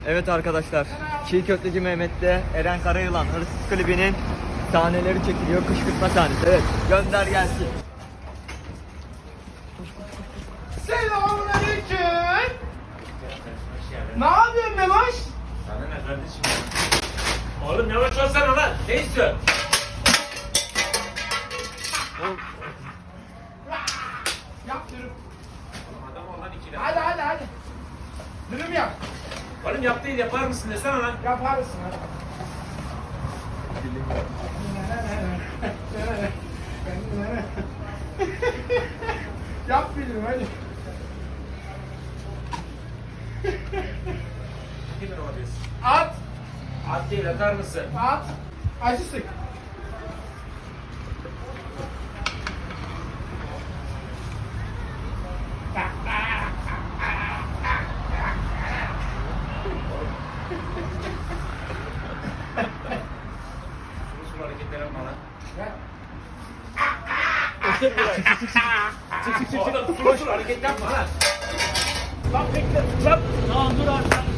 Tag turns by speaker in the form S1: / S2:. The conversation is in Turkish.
S1: Evet arkadaşlar, Çiğ Köfteci Mehmet'te Eren Karayılan Hırsız klibinin sahneleri çekiliyor. Kışkırtma sahnesi. Evet, gönder gelsin.
S2: Selamünaleyküm. Ne yapıyorsun Memoş?
S3: Sana ne kardeşim? Oğlum yavaş olsana lan. Ne istiyorsun?
S2: Yap dürüm.
S3: Oğlum adam ol lan ikile.
S2: Hadi. Dürüm yap.
S3: Oğlum yap değil yapar mısın desene lan.
S2: Yaparsın hadi. Yap bir dürüm hadi.
S3: Kimin o diyorsun?
S2: At.
S3: At değil atar mısın?
S2: At. Acı sık.
S3: Usul hareketler yapma lan. Çık. Oğlum usul hareket yapma lan.
S2: Lan bekle.
S3: Lan. Tamam dur abi.